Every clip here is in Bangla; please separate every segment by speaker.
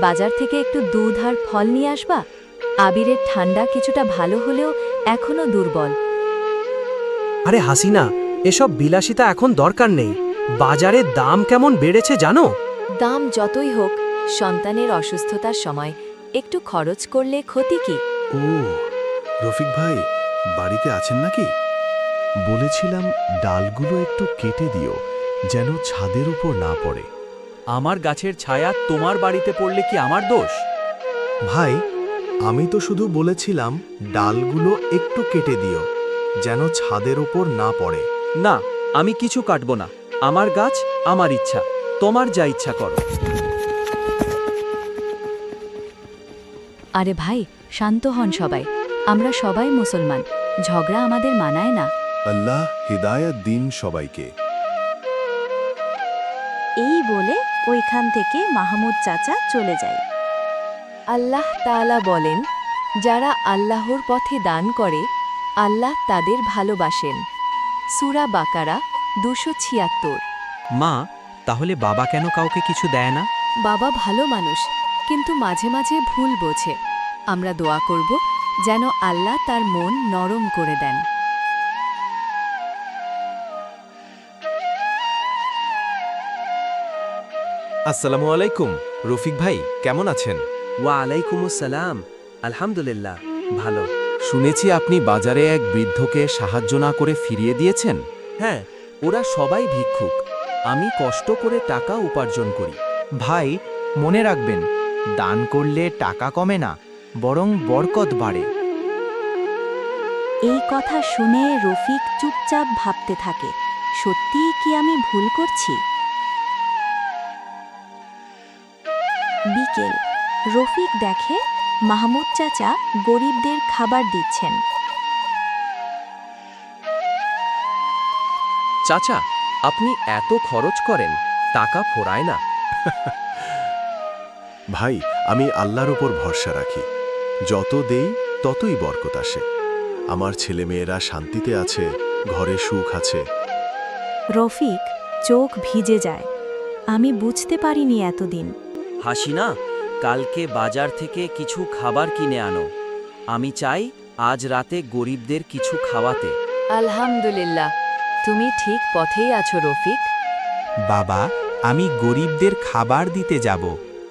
Speaker 1: বাজার থেকে একটু দুধ আর ফল নিয়ে আসবা? আবিরের ঠান্ডা কিছুটা ভালো হলেও এখনো দুর্বল।
Speaker 2: আরে হাসিনা, এসব বিলাসিতা এখন দরকার নেই। বাজারের দাম কেমন বেড়েছে জানো?
Speaker 1: দাম যতই হোক, সন্তানের অসুস্থতার সময় একটু খরচ করলে ক্ষতি কি?
Speaker 3: ও রফিক ভাই বাড়িতে আছেন নাকি? বলেছিলাম ডালগুলো একটু কেটে দিও, যেন ছাদের উপর না পড়ে।
Speaker 4: আমার গাছের ছায়া তোমার বাড়িতে পড়লে কি আমার দোষ?
Speaker 3: ভাই, আমি তো শুধু বলেছিলাম ডালগুলো একটু কেটে দিও, যেন ছাদের উপর না পড়ে।
Speaker 4: না, আমি কিছু কাটব না। আমার গাছ, আমার ইচ্ছা। তোমার যা ইচ্ছা করো।
Speaker 1: আরে ভাই, শান্ত হন সবাই। আমরা সবাই মুসলমান, ঝগড়া আমাদের মানায় না।
Speaker 3: আল্লাহ হিদায়াত দিন সবাইকে।
Speaker 5: এই বলে ওইখান থেকে মাহমুদ চাচা চলে যায়।
Speaker 1: আল্লাহ তাআলা বলেন, যারা আল্লাহর পথে দান করে আল্লাহ তাদের ভালোবাসেন। সূরা বাকারা 276।
Speaker 4: মা, তাহলে বাবা কেন কাউকে কিছু দেয় না?
Speaker 1: বাবা ভালো মানুষ, কিন্তু মাঝে মাঝে ভুল বোঝে। আমরা দোয়া করব যেন আল্লাহ তার মন নরম করে দেন।
Speaker 6: আসসালামু আলাইকুম। রফিক ভাই কেমন আছেন?
Speaker 2: ওয়া আলাইকুমুসসালাম। আলহামদুলিল্লাহ, ভালো।
Speaker 6: শুনেছি আপনি বাজারে এক বৃদ্ধকে সাহায্য না করে ফিরিয়ে দিয়েছেন।
Speaker 4: হ্যাঁ, ওরা সবাই ভিক্ষুক। আমি কষ্ট করে টাকা উপার্জন করি।
Speaker 7: ভাই, মনে রাখবেন, দান করলে টাকা কমে না, বরং বরকত বাড়ে।
Speaker 5: এই কথা শুনে রফিক চুপচাপ ভাবতে থাকে, সত্যিই কি আমি ভুল করছি? বিকেল, রফিক দেখে মাহমুদ চাচা গরিবদের খাবার দিচ্ছেন।
Speaker 4: চাচা, আপনি এত খরচ করেন, টাকা ফোরায় না।
Speaker 3: ভাই, আমি আল্লাহর উপর ভরসা রাখি। যত দেই ততই বরকত আসে। আমার ছেলেমেয়েরা শান্তিতে আছে, ঘরে সুখ আছে।
Speaker 5: রফিক চোখ ভিজে যায়। আমি বুঝতে পারিনি এতদিন।
Speaker 8: হাসিনা, কালকে বাজার থেকে কিছু খাবার কিনে আনো। আমি চাই আজ রাতে গরিবদের কিছু খাওয়াতে।
Speaker 1: আলহামদুলিল্লাহ, তুমি ঠিক পথেই আছো রফিক।
Speaker 7: বাবা, আমি গরিবদের খাবার দিতে যাব।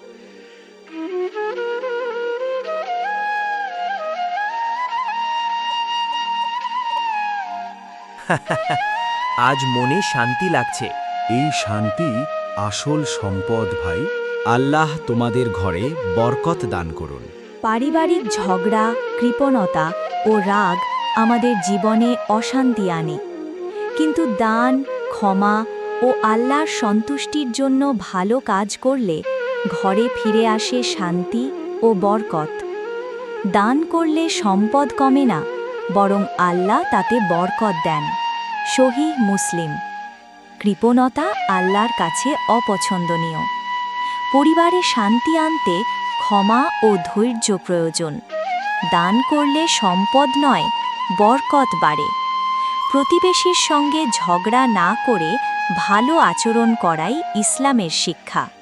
Speaker 4: আজ মনে শান্তি লাগছে।
Speaker 3: এই শান্তি আসল সম্পদ ভাই।
Speaker 6: আল্লাহ তোমাদের ঘরে বরকত দান করুন।
Speaker 5: পারিবারিক ঝগড়া, কৃপণতা ও রাগ আমাদের জীবনে অশান্তি আনে, কিন্তু দান, ক্ষমা ও আল্লাহর সন্তুষ্টির জন্য ভালো কাজ করলে ঘরে ফিরে আসে শান্তি ও বরকত। দান করলে সম্পদ কমে না, বরং আল্লাহ তাতে বরকত দেন। সহিহ মুসলিম। কৃপণতা আল্লাহর কাছে অপছন্দনীয়। পরিবারে শান্তি আনতে ক্ষমা ও ধৈর্য প্রয়োজন। দান করলে সম্পদ নয়, বরকত বাড়ে। প্রতিবেশীর সঙ্গে ঝগড়া না করে ভালো আচরণ করাই ইসলামের শিক্ষা।